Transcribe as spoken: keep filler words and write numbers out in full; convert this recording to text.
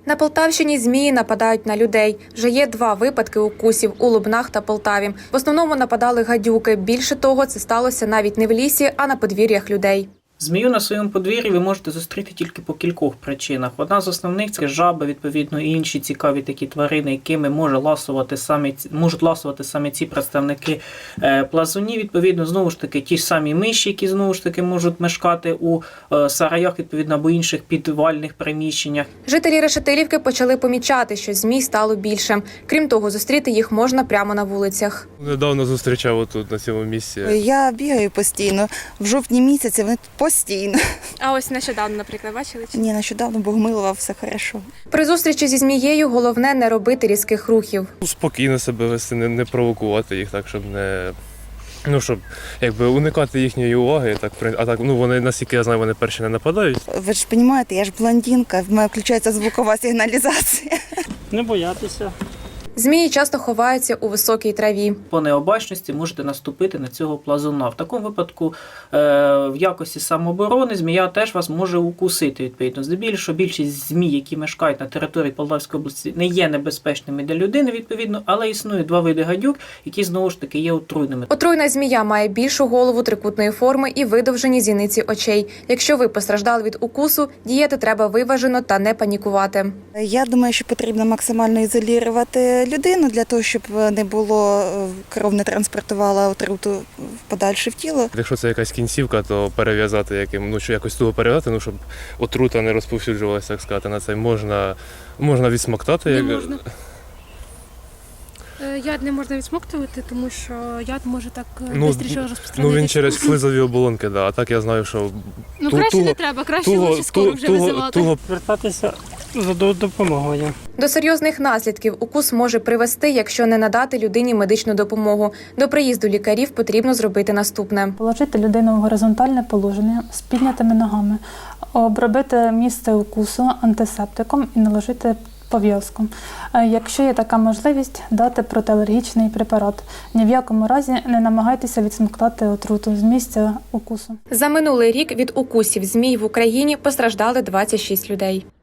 На Полтавщині змії нападають на людей. Вже є два випадки укусів у Лубнах та Полтаві. В основному нападали гадюки. Більше того, це сталося навіть не в лісі, а на подвір'ях людей. Змію на своєму подвір'ї ви можете зустріти тільки по кількох причинах. Одна з основних – це жаби, відповідно, і інші цікаві такі тварини, якими може ласувати самі, можуть ласувати саме ці представники плазунів. Відповідно, знову ж таки, ті ж самі миші, які, знову ж таки, можуть мешкати у сараях, відповідно, або інших підвальних приміщеннях. Жителі Решетилівки почали помічати, що змій стало більше. Крім того, зустріти їх можна прямо на вулицях. Недавно зустрічав отут, на цьому місці. Я бігаю постійно. В жовтні місяці вони постійно. А ось нещодавно, наприклад, бачили? Ні, нещодавно Богомилова, все хорошо. При зустрічі зі змією головне не робити різких рухів. Спокійно себе вести, не, не провокувати їх так, щоб не... Ну, щоб якби уникати їхньої уваги, так, а так, ну, вони, наскільки я знаю, вони перші не нападають. Ви ж розумієте, я ж блондинка, в мене включається звукова сигналізація. Не боятися. Змії часто ховаються у високій траві. По необачності можете наступити на цього плазуна. В такому випадку е, в якості самооборони змія теж вас може укусити, відповідно. Здебільшого більшість змій, які мешкають на території Полтавської області, не є небезпечними для людини, відповідно, але існує два види гадюк, які, знову ж таки, є отруйними. Отруйна змія має більшу голову трикутної форми і видовжені зіниці очей. Якщо ви постраждали від укусу, діяти треба виважено та не панікувати. Я думаю, що потрібно максимально ізолювати людину для того, щоб не було, кров не транспортувала отруту подальше в тіло. Якщо це якась кінцівка, то перев'язати яким, ну, що якось туго перев'язати, ну, щоб отрута не розповсюджувалася, так сказати, на це можна, можна відсмоктати. Не як... можна. Яд не можна відсмоктувати, тому що яд може так ну, швидше розпространитися. Ну, він через слизові оболонки, да. А так я знаю, що... Ну, ту, краще туго, не треба, краще туго, лучше скоро туго, вже туго, визивати. туго... Звертатися за допомогою. До серйозних наслідків укус може привести, якщо не надати людині медичну допомогу. До приїзду лікарів потрібно зробити наступне. Положити людину в горизонтальне положення з піднятими ногами, обробити місце укусу антисептиком і наложити пов'язку. Якщо є така можливість, дати протиалергічний препарат. Ні в якому разі не намагайтеся відсмоктати отруту з місця укусу. За минулий рік від укусів змій в Україні постраждали двадцять шість людей.